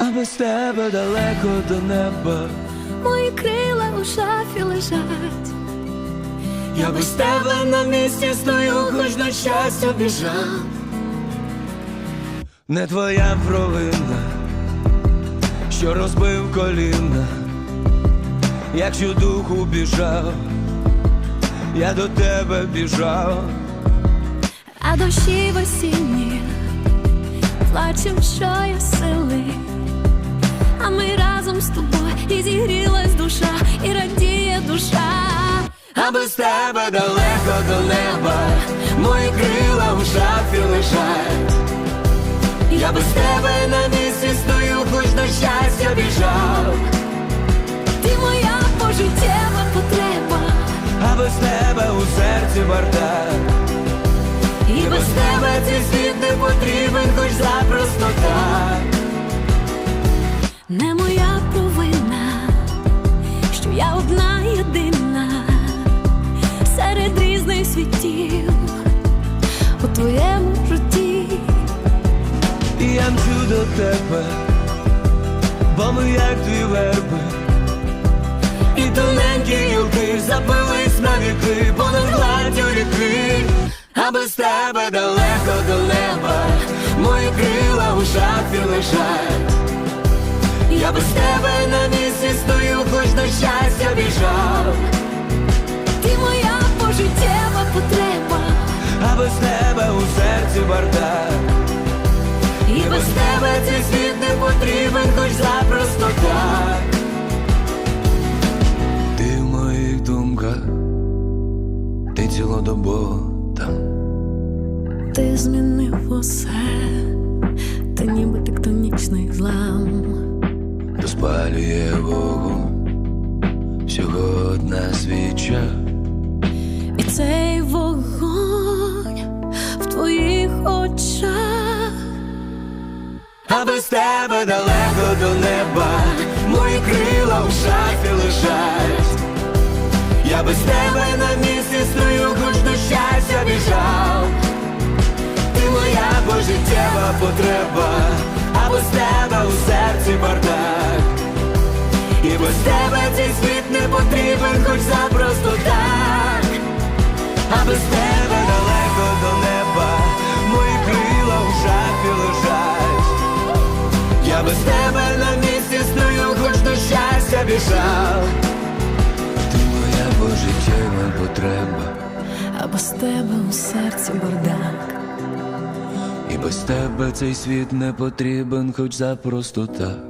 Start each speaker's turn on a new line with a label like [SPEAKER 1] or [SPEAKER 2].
[SPEAKER 1] а без тебе далеко до неба.
[SPEAKER 2] Мої крила у шафі лежать.
[SPEAKER 1] Я без тебе на місці стою, хоч на щастя біжав. Не твоя провина, що розбив коліна, якщо духу біжав, я до тебе біжав.
[SPEAKER 2] А дощі в осінні плачем, що я сили, а ми разом з тобою, і зігрілась душа, і радіє душа.
[SPEAKER 1] А без тебе далеко до неба, мої крила в шафі лежать. Я без тебе на місці стою, хоч на щастя біжав.
[SPEAKER 2] Ти моя пожиттєва потреба,
[SPEAKER 1] А без тебе у серці бардак.
[SPEAKER 2] і без тебе цей світ не потрібен, хоч запросто так. Не моя провина, що я одна єдина серед різних світів у твоєму житті.
[SPEAKER 1] І я мчу до тебе, бо ми як дві верби, і тоненькі гілки запились на віки понад гладдю ріки. А без тебе далеко до неба, мої крила у шафі лежать. Я без тебе на місці стою, хоч на щастя біжав.
[SPEAKER 2] Ти моя пожиттєва потреба,
[SPEAKER 1] А без тебе у серці бардак.
[SPEAKER 2] і без тебе
[SPEAKER 1] Цей світ не потрібен, хоч запросто так. Ти в моїх думках, ти цілодобово там.
[SPEAKER 2] ти змінив усе, ти ніби тектонічний злам.
[SPEAKER 1] Розпалює вогонь всього одна свіча.
[SPEAKER 2] І цей вогонь в твоїх очах.
[SPEAKER 1] А без тебе далеко до неба, мої крила в шафі лежать. Я без тебе на місці стою, хоч до щастя біжав. Ти моя пожиттєва потреба, а без тебе у серці бардак. І без тебе цей світ не потрібен, хоч запросто так. А без тебе далеко до неба, мої крила в шафі лежать. Я без тебе на місці стою, хоч до щастя біжав. Ти моя пожиттєва потреба,
[SPEAKER 2] А без тебе у серці бардак.
[SPEAKER 1] і без тебе цей світ не потрібен, хоч запросто так.